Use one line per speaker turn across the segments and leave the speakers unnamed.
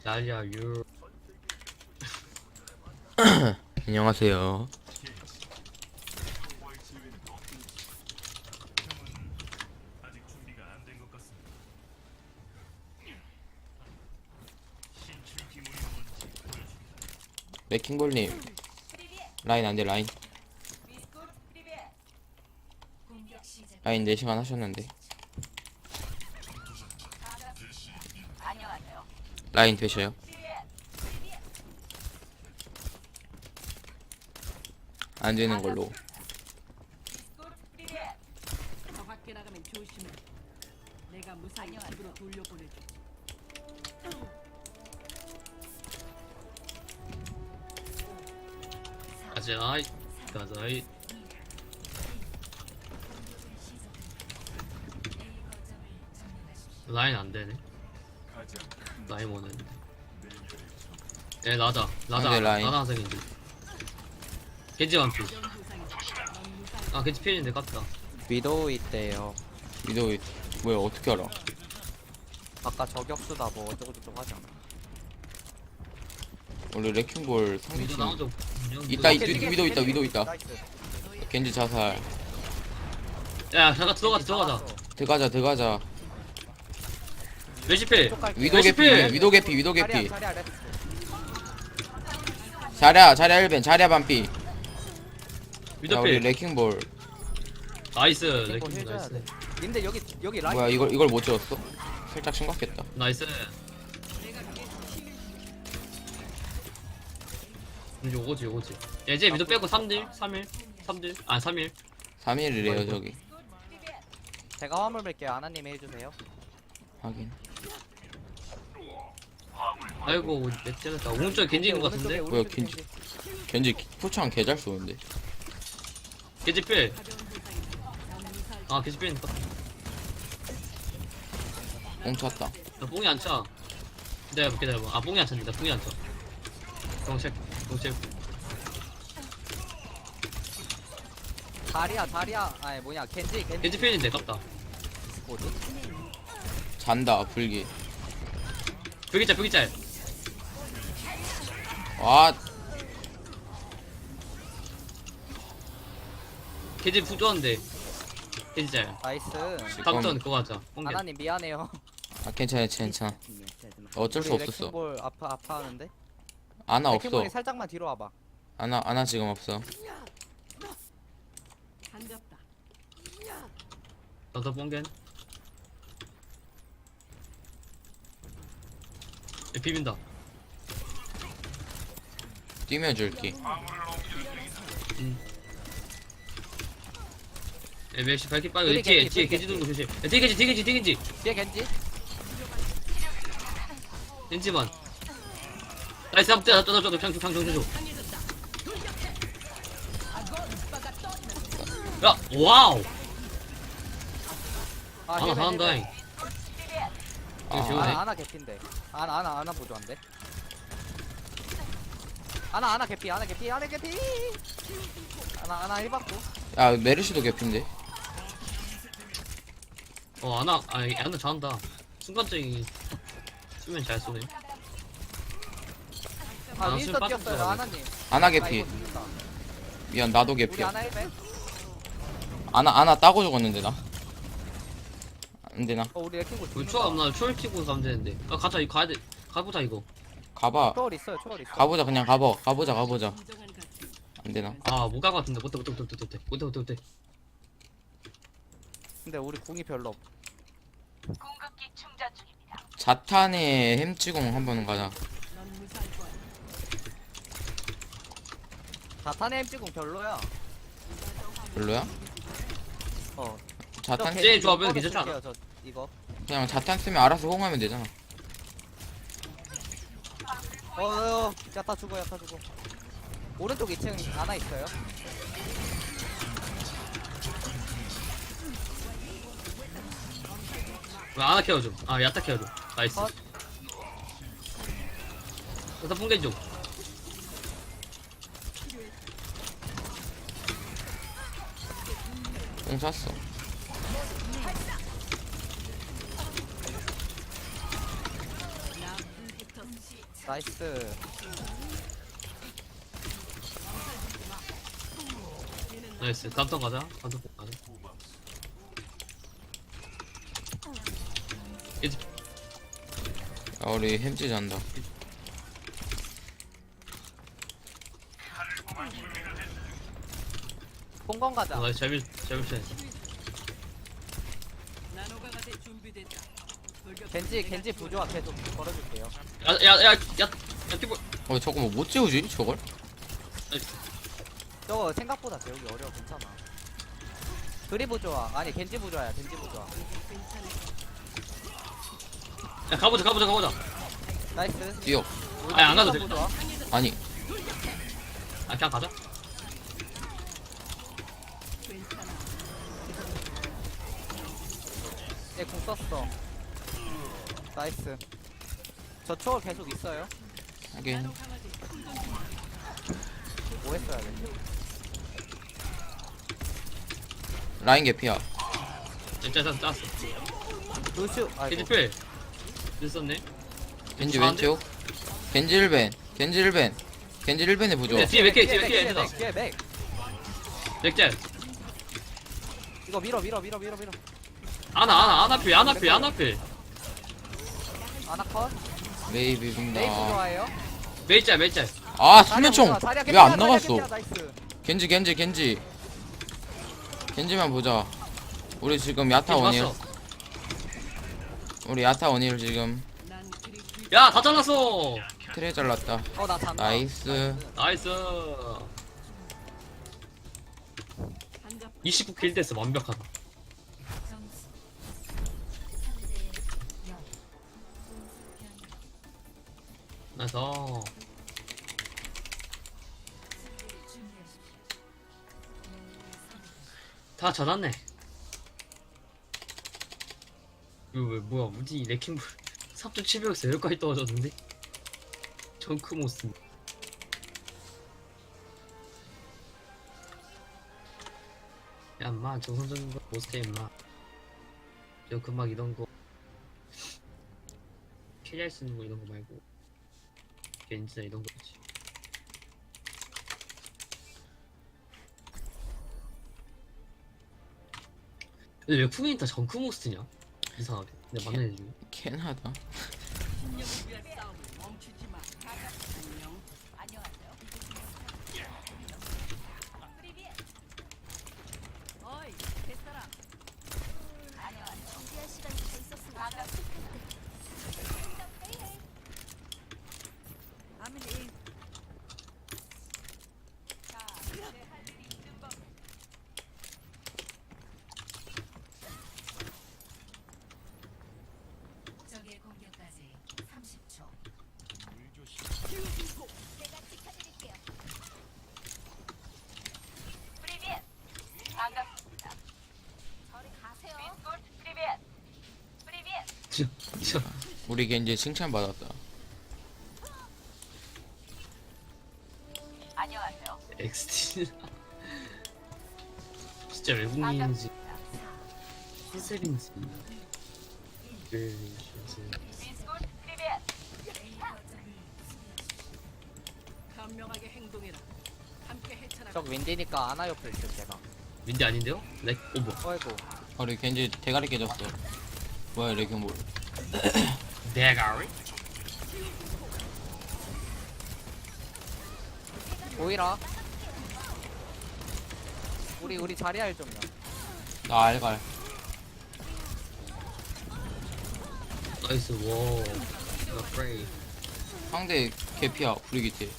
야야 유.
안녕하세요. 레킹볼님 라인 안돼 라인 4시간 하셨는데 라인 되셔요? 안 되는 걸로.
저 밖에 나가면 조심해. 내가 무사히 집으로 돌려보내줘.
가자이 가자이. 라인 안 되네. 라인 오는. 예 나다 나다
안 돼, 라인.
나다 하색인데. 겐지 완피. 아 겐지 필인데 깠다.
위도우 있대요.
위도 뭐야 어떻게 알아?
아까 저격수다 뭐 어쩌고저쩌고 하잖아.
원래 레킹볼
위도
상대팀
나온 적
있다
이
위도 있다 위도 있다.
나이스.
겐지 자살.
야 잠깐 들어가자.
들어가자.
레시필.
위도 개피
레시피!
위도 개피.
자리야 레츠.
자랴 1벤 자랴 반피. 자 우리
위도필.
레킹볼
나이스.
이거
레킹
해줘야
나이스.
돼. 근데 여기 라인.
뭐야 이걸 못 지웠어? 살짝 심각했다.
나이스. 이제 오지. 이제 위도 빼고 3딜 3일 아 3일.
3일이래요 저기.
제가 화물 뵐게요. 아나님이 해주세요.
확인.
아이고 滅다 오른쪽에 겐지 있는 거 같은데.
뭐야, 겐지 포창 개잘 쏘는데.
겐지 필. 아 겐지 필.
뽕 찼다.
나 뽕이 안 차. 기다려봐. 아 뽕이 안 찼는데 뽕이 안 차. 동체.
자리야. 아니 뭐냐 겐지.
겐지 필인데 깝다.
뭐지?
잔다 불기.
벽이짤.
와
겐지 부조한데. 겐지 짤.
나이스.
다음 턴 그거 하자. 뽕겐.
아나님 미안해요.
아, 괜찮아. 어쩔 수
우리
없었어.
레킹볼 아파하는데.
아나 없어.
레킹볼이 살짝만 뒤로 와봐.
아나 지금 없어.
반갑다.
나도 뽕겐. 비빈다.
뛰면 줄게.
멜시 발키 빠져.
우리
뒤에
겐지,
겐지 도는 거 조심. 뒤에 겐지.
뒤에 겐지.
겐지만. 나이스 한번 떼. 평 줘. 야 와우. 하나
힐벤,
잘한다.
힐벤.
이거 지우네.
아나 개피인데. 아나 보조한데. 아나 개피. 아나 1 받고.
야 메르시도 개핀데.
아나 잘한다. 순간적인 수면 잘 쏘네.
아
아,
윈스터
지금
뛰었어요.
빠졌어.
아나님.
아나
아,
개피.
이거 죽는다.
미안 나도
우리
개피야.
아나 1벤.
아나 따고 죽었는데 나. 안되나?
우리 레킹볼
우리 초월 없나? 초월 치고 가면 되는데. 가자 이거 가야 돼. 가보자 이거.
가봐.
초월 있어.
가보자 그냥 가보자.
인정한 가치.
안되나?
못 갈 것 같은데. 못돼.
근데 우리 궁이 별로 없.
자탄에 햄찌공 한번 가자.
넌 무사할 거야.
자탄의 햄찌궁 별로야.
별로야?
어.
자탄
저
쟤 조합은
겐지
괜찮지 않아?
쓸게요, 저 이거.
그냥 자탄 쓰면 알아서 호응하면 되잖아.
야타 죽어. 오른쪽 2층 하나 있어요.
왜 아나 케어줘. 야타 케어줘. 나이스.
컷.
야타 뽕겐 좀.
뽕 찼어.
나 불붙었지.
나이스.
나이스. 다음턴 가자. 다음턴 가자. 겐지
아, 우리 햄찌 잔다.
뽕건 가자.
나이스. 잘 밀쳐.
나노가 가세 준비됐다. 돌격
겐지 부조화 계속 걸어줄게요.
야야야야 피부.
저거 뭐 못 재우지 저걸?
저거 생각보다 배우기 어려워. 괜찮아. 그리 부조화. 아니 겐지 부조화야. 겐지 부조화.
야 가보자.
나이스.
뛰어.
아니, 안 가도 돼.
부조화.
아니
아 그냥 가자.
얘공 썼어. 나이스. 저 초월 계속 있어요.
하긴
뭐 했어야 돼?
라인 개피야.
진짜 짰어.
루슈.
겐지
아이고.
필. 됐었네.
겐지 왼쪽. 겐지 1벤. 겐지 1벤에 부조.
야, 뒤에 몇 개, 뒤에 몇 개, 얘들아.
뒤에 맥.
맥짤.
이거 밀어.
아나 필.
아나컷.
메이
메이
비빈다.
부조화예요.
메이짤.
아 수면총
자리야
왜 안
자리야
나갔어?
자리야, 나이스.
겐지만 보자. 우리 지금 야타
겐지
원일.
왔어.
우리 야타 원일 지금
난 그리 귀
야, 다 잘랐어.
트레 잘랐다.
나 잔다.
나이스.
나이스.
한갑
29킬 됐어. 완벽하다. 나이스. 다 젖었네. 이거 왜 뭐야? 우디 레킹볼 3.700에서 여기까지 떨어졌는데? 정크모스. 야, 인마 정선적인 거 못해 인마. 정크막 이런 거 캐리할 수 있는 거 이런 거 말고 겐지나 이런 거지. 근데 왜 푸게인 다 정크모스냐? 이상하게. 내가 맞는 애 중에.
캔하다.
신념을 위한 싸움을 멈추지 마. 안녕. 안녕하세요. 어이, 뱃사람. 안녕하세요.
준비할 시간이 더 있었으면
아밀리.
적의 공격까지 30초. 제가 지켜드릴게요. 프리비엣. 반갑습니다. 저리 가세요. 프리비엣.
진짜
우리 겐지 칭찬 받았다.
안녕하세요.
XT. 진짜 외국인인지 컨셉인지.
프리비엣.
현명하게 행동해라. 함께 헤쳐나가.
저 윈디니까 아나 옆에 있을 제가.
윈디 아닌데요? 뭐야?
어이구.
우리 겐지 대가리 깨졌어. 뭐야 레킹볼.
대가리?
보이라. 우리 자리할 좀요.
나 알갈.
나이스. 워. 나 프레이.
상대 개피야 브리기테.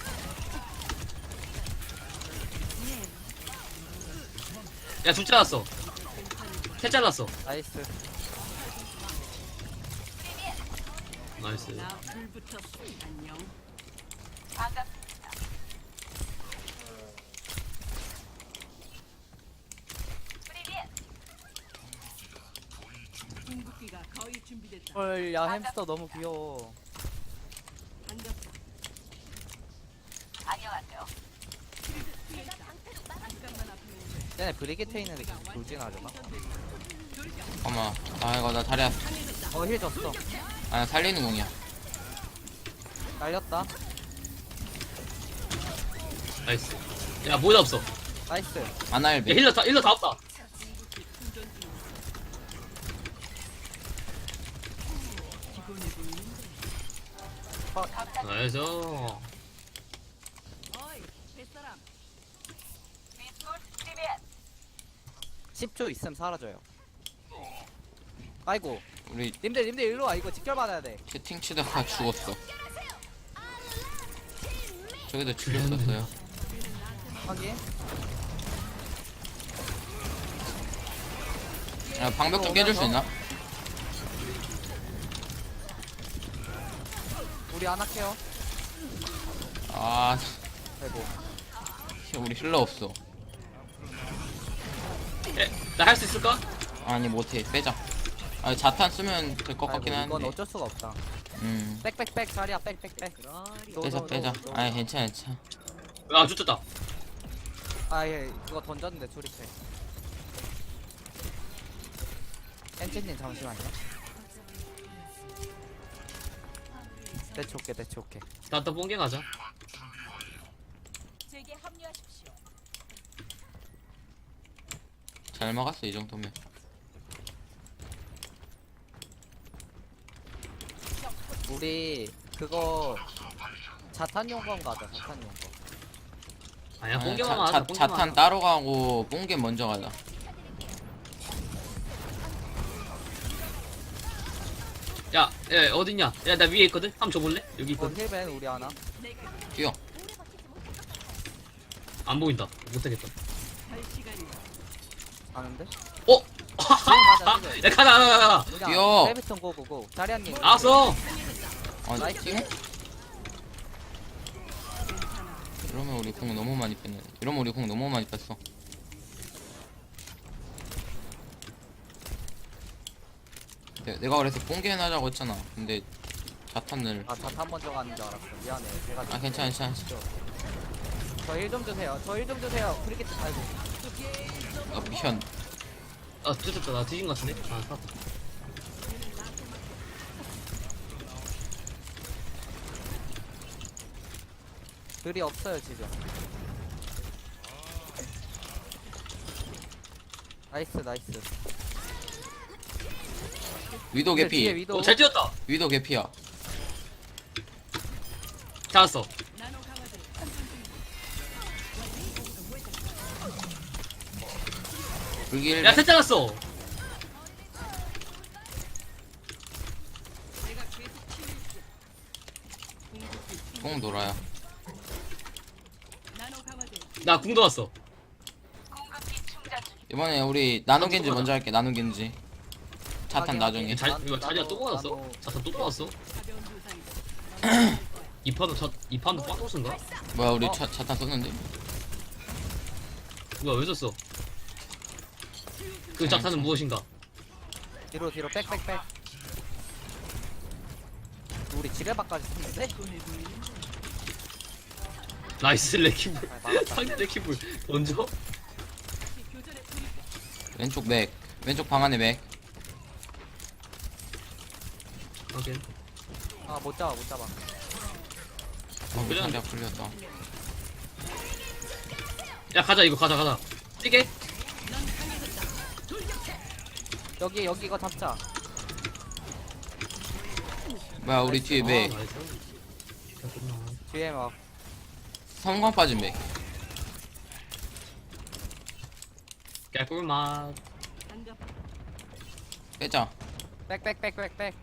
야, 둘 잘랐어. 셋 잘랐어.
나이스.
나이스.
나 불붙었어. 안녕.
반갑습니다. 프리비엣.
궁극기가 거의 준비됐다.
헐야 햄스터 너무 귀여워.
반갑다.
안녕하세요.
잠깐만 앞에 오면
쟤네 브리게트 있는 데 계속 돌진하려나?
잠깐만. 아 이거 나 다리야.
힐 줬어.
아 나 살리는 공이야.
날렸다.
나이스. 야 뭐다 없어. 야
나이스.
아나일베.
힐러 다 없다. 나이스.
어이, 뱃사람.
비스콜 프리벳.
10초 있으면 사라져요. 아이고.
우리
님들 일로 와. 이거 직결 받아야 돼.
채팅 치다가 죽었어. 저기도 죽였었어요.
확인.
야, 방벽 좀 깨줄 수 있나?
우리 안 할게요.
아,
아이고.
우리 힐러 없어.
나 할 수 있을까?
아니 못해. 빼자. 아, 자탄 쓰면 될 것 같긴
아이고, 이건
한데.
어쩔 수가 없다.
음.
빽빽빽 자리야 빽빽빽.
빼자. 아니 괜찮아.
아 좋겠다.
아예 그거 던졌는데 조립해. 엔진님 잠시만요. 대치 올게.
나또 뽕개 가자.
제게 합류하십시오.
잘 막았어 이 정도면.
우리 그거 자탄용검 가자. 자탄용검.
아니야
아니,
뽕개만 하자. 뽕개만
자탄
하자.
따로 가고 뽕게 먼저 가자.
야 어딨냐? 야 나 위에 있거든. 한번 줘볼래? 여기
이거
있거든.
힐벤 우리 하나.
뛰어.
안 보인다. 못하겠다.
할 시간이.
아는데?
어?
가자, 지금.
야 가자.
뛰어.
세비턴 고고고. 자리한님.
알았어.
아,
나이스.
뛰어? 이러면 우리 공 너무 많이 뺐네. 이러면 우리 공 너무 많이 뺐어. 내가 그래서 뽕게 해놔자고 했잖아. 근데 자탄을
아 자탄 먼저 가는 줄 알았어. 미안해. 제가.
아 괜찮아.
저 힐 좀 주세요. 브리게트 아이고.
아 미션.
아 뒤졌다. 나 뒤진 것 같은데. 아 살았다.
글이 없어요 지금. 나이스.
위도
근데 뒤에
개피.
위도.
잘 뛰었다.
위도 개피야.
잡았어.
나노 강화제.
불길.
야 셋 잡았어.
내가 계속 치유했어.
뽕 놀아야.
나노 강화제.
나 궁도 왔어.
공급기 충전 중.
이번에 우리 나노겐지 먼저 할게. 나노겐지. 자탄 나중에.
이거 자리가 또 뽑았어?
나도-
자탄 또 뽑았어?
가벼운 부상이다.
이 판도 빵토스인가?
뭐야 우리 자탄 썼는데?
뭐야 왜 졌어? 그 자탄은 무엇인가?
뒤로 빽빽빽. 우리 지뢰박까지 썼는데?
나이스 레키볼.
아, 막았다.
상대 레키볼 던져?
교전에 돌입해.
왼쪽 맥. 왼쪽 방 안에 맥.
오케이.
아 못 잡아.
우리
그냥-
상대가 풀렸다.
야 가자 이거 가자. 뛰게.
여기 이거 잡자.
뭐야 우리 뒤에 맥.
아, 나이스.
뒤에 막
섬광 빠진 맥.
개꿀맛.
반갑.
빼자.
빽빽빽빽빽.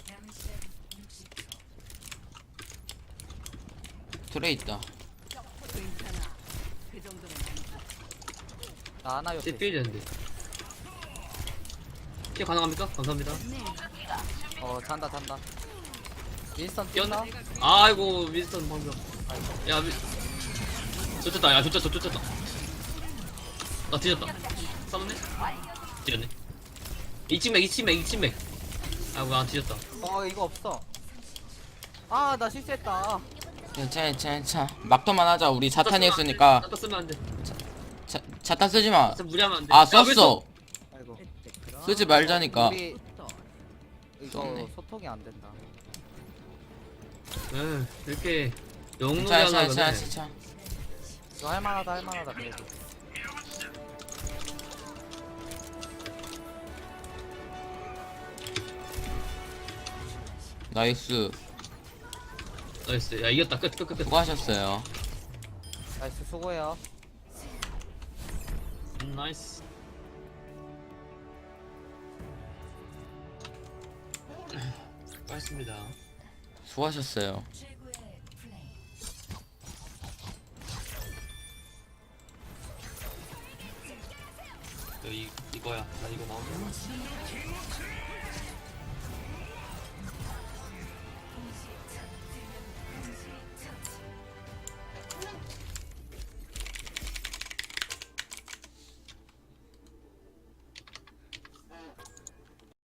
트레 있다.
괜찮아. 그 정도는 아니야.
나 하나 옆에.
삐 되는데. 피 가능합니까? 감사합니다.
잔다. 윈스턴
뛰었-
뛴다.
아이고 윈스턴 방금. 야 좋쳤다. 야 좋쳤다. 나 뒤졌다. 싸웠네? 뒤졌네. 2층 맥. 아이고 나 뒤졌다.
이거 없어. 아 나 실수했다.
괜찮아. 막터만 하자. 우리 자탄이 했으니까
자탄 쓰면 안 돼.
자탄 쓰지 마.
진짜 무리하면 안 돼.
아
야, 왜
썼어.
아이고.
쓰지 말자니까.
우리 이거
썼네.
소통이 안 된다.
이렇게 영웅놀이
자, 자,
하려고
자,
그래.
자.
이거 할만하다 그래도.
나이스.
나이스. 야, 이겼다. 끝.
수고하셨어요.
나이스 수고해요.
나이스. 수고하셨습니다.
수고하셨어요.
이거야. 나 이거 나오면